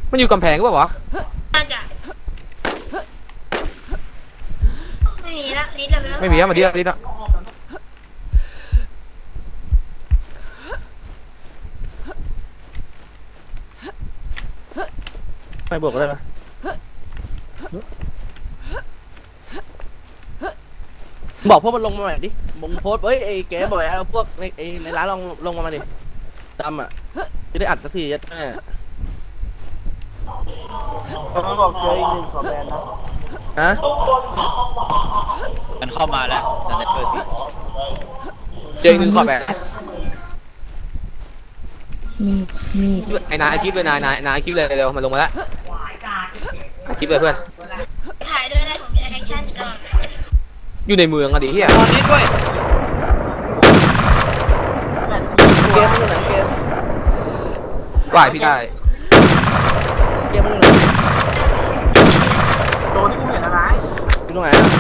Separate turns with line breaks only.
มันอยู่กำแพงก็ปล่าวะ
น่าจะไม่มีละนิดเดียวแล้ว
ไม่มีอะมาดิอะดิอะ
ไม่บวกได้ไหมบอกพวกมันลงมาหน่อยดิมึงโพสต์เฮ้ยไอ้แกบอกเอาพวกในร้านลงมาดิดำอ่ะจะได้อัดสักทียัดแม่เขาบอกเจออีกหนึ่งขอแบนนะฮะ
มันเข้ามาแล้วแต่ในเปิดสิ
เจออีกหนึ่งขอบแบบ
มี
ไอ้นายไอคลิปเลยนายไอคลิปเลยเร็วมันลงมาแล้วไอคลิปเลยเพื่อน
ถ่ายด้วยนะผมจะแอคชั่นก่อน
อยู่ในเมืองอะดิเฮีย
ตอนนี้ด้วย
เกมมันอยู่ไหนเกม
ว่ายพี่ได้
เกมมันอยู่ไหน
ตัวที่กูเห็นอะไร
อยู่ตรงไหนอะ